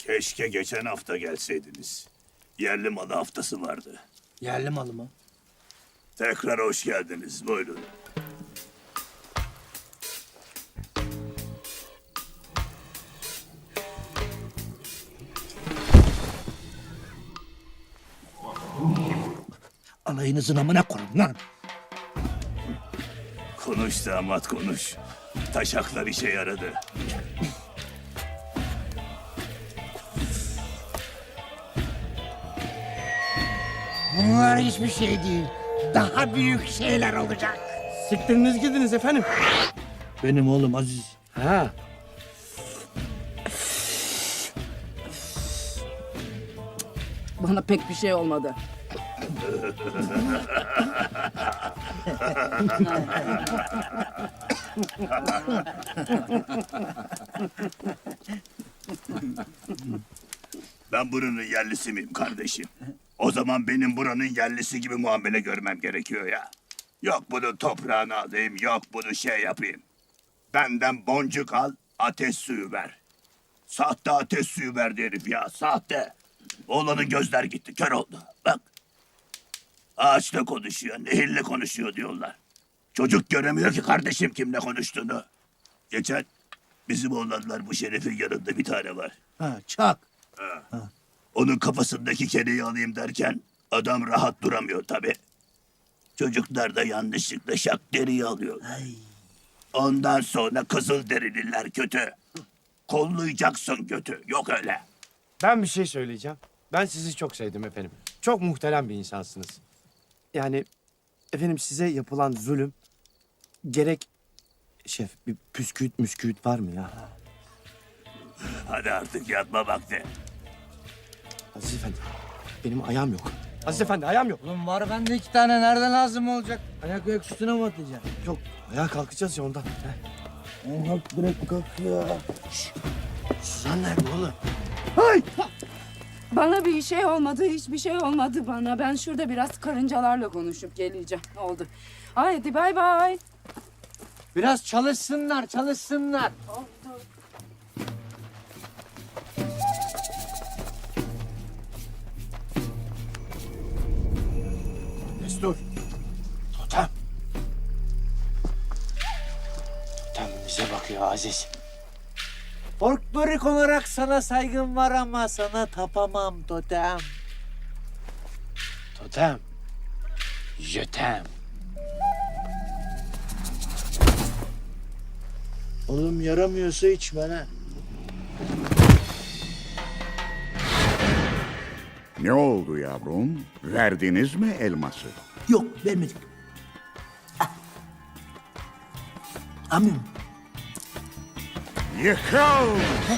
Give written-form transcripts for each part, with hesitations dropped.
Keşke geçen hafta gelseydiniz. Yerli malı haftası vardı. Yerli malı mı? Tekrar hoş geldiniz. Buyurun. Alayınızın amına koyun lan. Konuş damat konuş. Taşaklar işe yaradı. Bunlar hiçbir şey değil. Daha büyük şeyler olacak. Siktiriniz gidiniz efendim. Benim oğlum Aziz. Ha. Bana pek bir şey olmadı. Ben buranın yerlisi miyim kardeşim? O zaman benim buranın yerlisi gibi muamele görmem gerekiyor ya. Yok bunu toprağına alayım, yok bunu şey yapayım. Benden boncuk al, ateş suyu ver. Sahte ateş suyu verdi herif ya, sahte. Oğlanın gözler gitti, kör oldu. Bak. Ağaçla konuşuyor, nehirle konuşuyor diyorlar. Çocuk göremiyor ki kardeşim kimle konuştuğunu. Geçen bizim oğlanlar bu Şeref'in yanında bir tane var. Ha, çak. Onun kafasındaki kereyi alayım derken adam rahat duramıyor tabii. Çocuklar da yanlışlıkla şak deriyi alıyor. Ondan sonra kızıl derililer kötü. Kollayacaksın kötü. Yok öyle. Ben bir şey söyleyeceğim. Ben sizi çok sevdim efendim. Çok muhterem bir insansınız. Yani efendim size yapılan zulüm gerek... Şef bir püsküüt var mı ya? Hadi artık yatma vakti. Aziz Efendi benim ayağım yok. Aziz Efendi ayağım yok. Oğlum var bende 2 tane. Nereden lazım olacak? Ayak üstüne mi atacaksın? Yok ayağa kalkacağız ya ondan. Heh. Kalk direkt kalk ya. Suzan nerede oğlum? Bana bir şey olmadı, hiçbir şey olmadı bana. Ben şurada biraz karıncalarla konuşup geleceğim. Oldu. Haydi bay bay. Biraz çalışsınlar. Destur. Totem. Totem bize bakıyor Aziz. Folklorik olarak sana saygım var ama sana tapamam totem. Totem. Jötem. Oğlum yaramıyorsa içme ha. Ne oldu yavrum? Verdiniz mi elması? Yok vermedik. Amin. Yıkıl!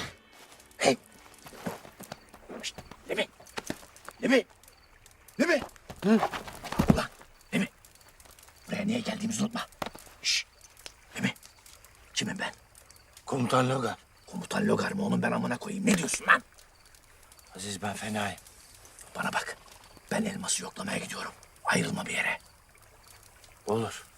Buraya niye geldiğimizi unutma. Şşş. Emi. Kimim ben? Komutan Logar. Komutan Logar mı oğlum ben amına koyayım? Ne diyorsun lan? Aziz ben fenayım. Bana bak. Ben elması yoklamaya gidiyorum. Ayrılma bir yere. Olur.